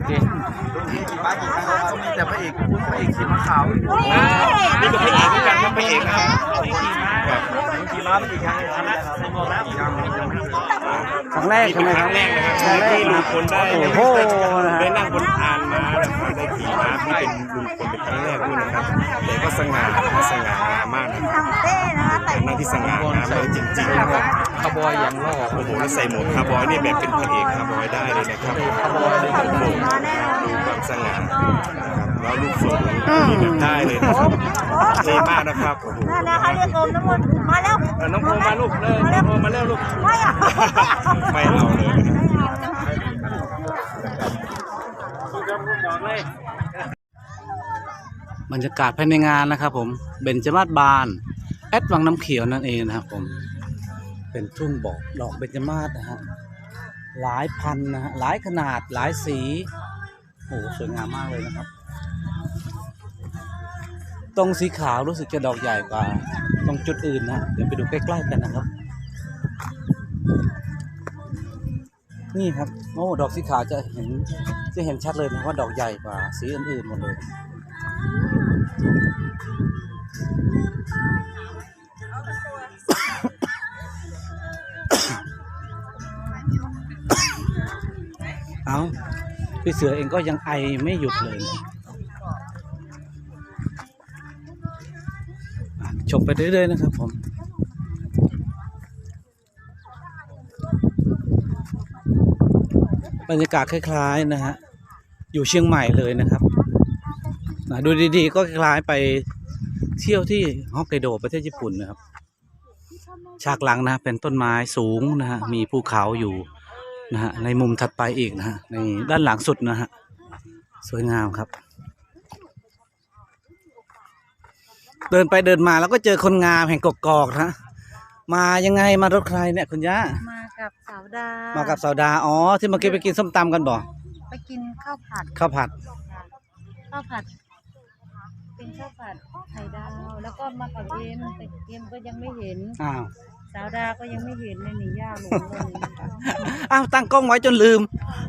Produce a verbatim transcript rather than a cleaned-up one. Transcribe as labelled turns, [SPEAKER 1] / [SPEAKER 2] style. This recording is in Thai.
[SPEAKER 1] เคป้าผมเขามีแต่พระเอกพระเอกขี่ม้าขาว
[SPEAKER 2] นี่ก็พระเอกเหมือนกันครับพระเอกนะครับ
[SPEAKER 1] ขี่ม้าขี่ม้าเป็นอีกครั้งนะครับในหมดแล้ว
[SPEAKER 3] ครั้งแรกใช่ไหม
[SPEAKER 2] ครั้งแรกนะครับที่ลุงพลได้
[SPEAKER 3] โอ้โห
[SPEAKER 2] ได้นั่งบนอานม้านะครับได้ขี่ม้าที่เป็นลุงพลเป็นครั้งแรกด้วยนะครับแต่ก็สง่าสง่างามมากนะครับเป็นนั่งที่สง่างามเลยจริงๆนะครับ
[SPEAKER 1] คาร์บอยอย่างล่อ
[SPEAKER 2] โอ้โหแล้วใส่หมวกคาร์บอยนี่แบบเป็นพระเอกคาร์บอยได้เลยนะครับคาร์บอยเลยครับผมดูความสง่านะครับแล้วลูกสูงนี่แบบได้เลยนะครับเท่มากนะครับโอ้โห
[SPEAKER 4] นะคะเรียกโอมน้ำมนต์มาแล้ว
[SPEAKER 2] น้องโอมมาลูกเลยน้องโอมมาแล้วลูก
[SPEAKER 4] ไม่อะ
[SPEAKER 2] ไม่เอาเลย
[SPEAKER 3] บรรยากาศภายในงานนะครับผมเบญจมาศบานแอดวังน้ำเขียวนั่นเองนะครับผมเป็นทุ่งบอกดอกเบญจมาศนะฮะหลายพันนะฮะหลายขนาดหลายสีโอ้สวยงามมากเลยนะครับตรงสีขาวรู้สึกจะดอกใหญ่กว่าตรงจุดอื่นนะเดี๋ยวไปดูใกล้ๆกันนะครับนี่ครับโอ้ดอกสีขาวจะเห็นจะเห็นชัดเลยนะว่าดอกใหญ่กว่าสีอื่นๆหมดเลยเอาพี่เสือเองก็ยังไอไม่หยุดเลยนะชมไปเรื่อยๆนะครับผมบรรยากาศคล้ายๆนะฮะอยู่เชียงใหม่เลยนะครับนะดูดีๆก็คล้ายไปเที่ยวที่ฮอกไกโดประเทศญี่ปุ่นนะครับฉากหลังนะเป็นต้นไม้สูงนะฮะมีภูเขาอยู่นะฮะในมุมถัดไปอีกนะฮะในด้านหลังสุดนะฮะสวยงามครับเดินไปเดินมาแล้วก็เจอคนงามแห่งกกอกนะมายังไงมารถใครเนี่ยคุณย่า
[SPEAKER 4] มากับสาวดา
[SPEAKER 3] มากับสาวดาอ๋อที่เมื่อกี้ไปกินส้มตำกันบ่
[SPEAKER 4] ไปกินข้าวผัด
[SPEAKER 3] ข้าวผัด
[SPEAKER 4] ข้าวผัดเป็นข้าวผัดไข่ดาวแล้วก็มากับเอ็มแต่เอ็มก็ยังไม่เห็น
[SPEAKER 3] อ้าว
[SPEAKER 4] สาวดาก็ยังไม่เห็นเลยหนีย่าหลงเลย
[SPEAKER 3] อ้าวตั้งกล้องไว้จนลืม